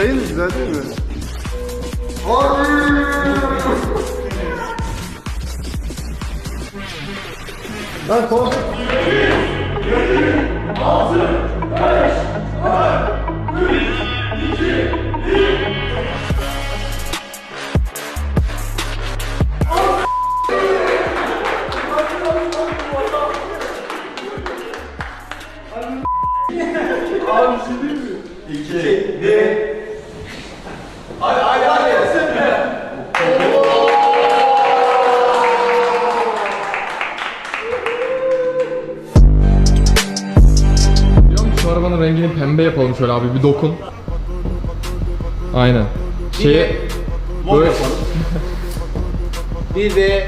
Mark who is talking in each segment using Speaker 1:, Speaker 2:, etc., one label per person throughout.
Speaker 1: Değil mi? Güzel değil mi? Lan kork.
Speaker 2: Şu arabanın rengini pembe yapalım şöyle abi, bir dokun. Aynen. Şeye
Speaker 3: Mor
Speaker 2: böyle
Speaker 3: yapalım. Bir de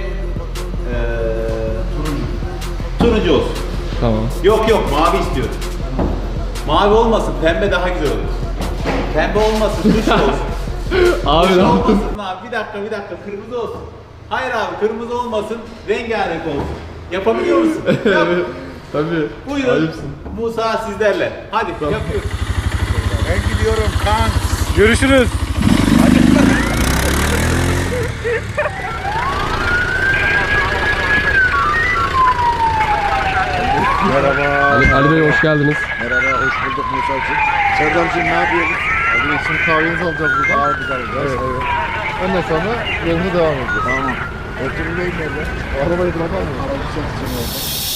Speaker 3: turuncu olsun.
Speaker 2: tamam.
Speaker 3: Yok yok, mavi istiyorum. Mavi olmasın, pembe daha güzel olur. Pembe olmasın, tuş olsun.
Speaker 2: Abi
Speaker 3: Tuş
Speaker 2: ne yaptın?
Speaker 3: olmasın abi, bir dakika, kırmızı olsun. Hayır abi, kırmızı olmasın, rengarenk olsun. Yapabiliyor musun? Yap.
Speaker 2: Tabii.
Speaker 3: Buyurun.
Speaker 2: Ayıpsın.
Speaker 3: Musa sizlerle. Hadi yapıyoruz.
Speaker 1: Ben gidiyorum kan.
Speaker 2: Görüşürüz.
Speaker 1: Merhaba.
Speaker 2: Ali Bey hoş geldiniz.
Speaker 1: Merhaba, hoş bulduk Musa'cığım. Serdam'cığım ne yapıyorsun? Hadi şimdi kahvenizi alacağız buradan. Kahvemizi alacağız. Evet. Ondan sonra yoluna devam edeceğiz. Tamam. Oturun nerede? Arabayı bırakalım mı? Arabayı çekeceğim orada.